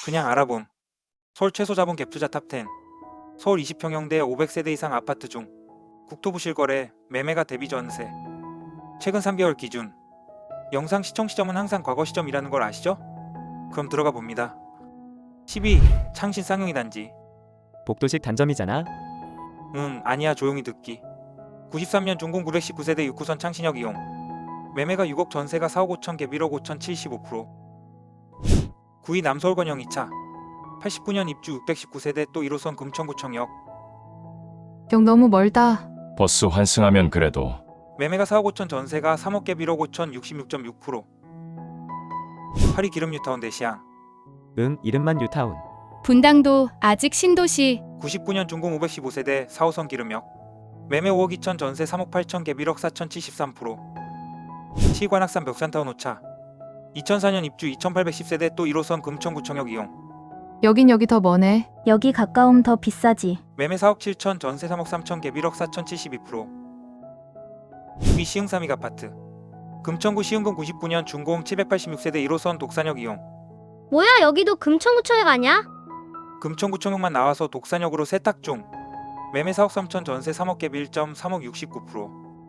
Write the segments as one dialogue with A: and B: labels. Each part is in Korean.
A: 그냥 알아봄. 서울 최소 자본 갭 투자 탑10. 서울 20평형대 500세대 이상 아파트 중 국토부 실거래 매매가 대비 전세. 최근 3개월 기준. 영상 시청 시점은 항상 과거 시점이라는 걸 아시죠? 그럼 들어가 봅니다. 12. 창신 쌍용이 단지.
B: 복도식 단점이잖아.
A: 아니야, 조용히 듣기. 93년 준공 919세대 6호선 창신역 이용. 매매가 6억, 전세가 4억 5천, 갭 1억 5천, 75%. 9위 남서울권형 2차. 89년 입주 619세대 또 1호선 금천구청역.
C: 역 너무 멀다.
D: 버스 환승하면 그래도
A: 매매가 4억 5천, 전세가 3억, 갭 1억 5천, 66.6%. 8위 기름 뉴타운 대시양.
B: 이름만 뉴타운.
E: 분당도 아직 신도시.
A: 99년 준공 515세대 4호선 기름역. 매매 5억 2천, 전세 3억 8천, 갭 1억 4천, 73%. 시관악산 벽산타운 5차. 2004년 입주 2810세대 또 1호선 금천구청역 이용.
C: 여긴 여기 더 머네.
F: 여기 가까움 더 비싸지.
A: 매매 4억 7천, 전세 3억 3천, 갭 1억 4천, 72%. 6위 시흥 삼익 아파트. 금천구 시흥동 99년 준공 786세대 1호선 독산역 이용.
F: 뭐야, 여기도 금천구청역 아냐?
A: 금천구청역만 나와서 독산역으로 세탁 중. 매매 4억 3천, 전세 3억, 갭 1.3억, 69%.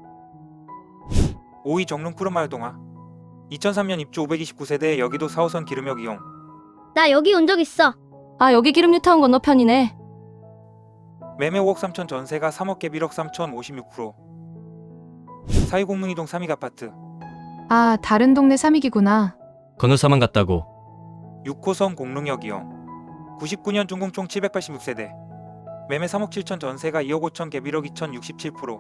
A: 5위 정릉 푸른마을 동화. 2003년 입주 529세대 여기도 4호선 기름역 이용.
F: 나 여기 온 적 있어.
E: 아, 여기 기름 뉴타운 건너편이네.
A: 매매 5억 3천, 전세가 3억, 갭 1억 3천, 56%. 4위 공릉이동 삼익 아파트.
C: 아, 다른 동네 삼익이구나.
G: 건너사만 갔다고.
A: 6호선 공릉역 이용. 99년 준공 총 786세대. 매매 3억 7천, 전세가 2억 5천, 갭 1억 2천, 67%.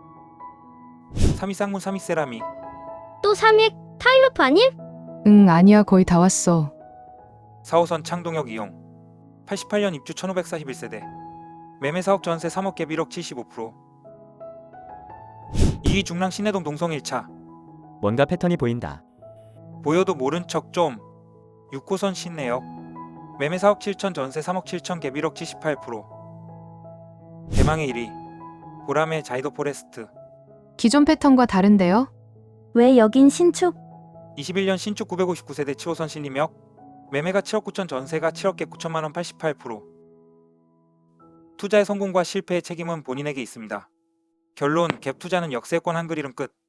A: 3위 쌍문 삼익 세라믹.
F: 또 삼익 타일러프 아님?
C: 아니야, 거의 다 왔어.
A: 4호선 창동역 이용. 88년 입주 1541세대. 매매 4억, 전세 3억, 갭 1억, 75%. 2위 중랑 신내동 동성 1차.
B: 뭔가 패턴이 보인다.
A: 보여도 모른 척 좀. 6호선 신내역. 매매 4억 7천, 전세 3억 7천, 갭 1억, 78%. 대망의 1위. 보람의 자이도 포레스트.
C: 기존 패턴과 다른데요?
F: 왜 여긴 신축?
A: 21년 신축 959세대 7호선 신림역. 매매가 7억 9천, 전세가 7억, 갭 9천만 원, 88%. 투자의 성공과 실패의 책임은 본인에게 있습니다. 결론, 갭 투자는 역세권 한글 이름 끝.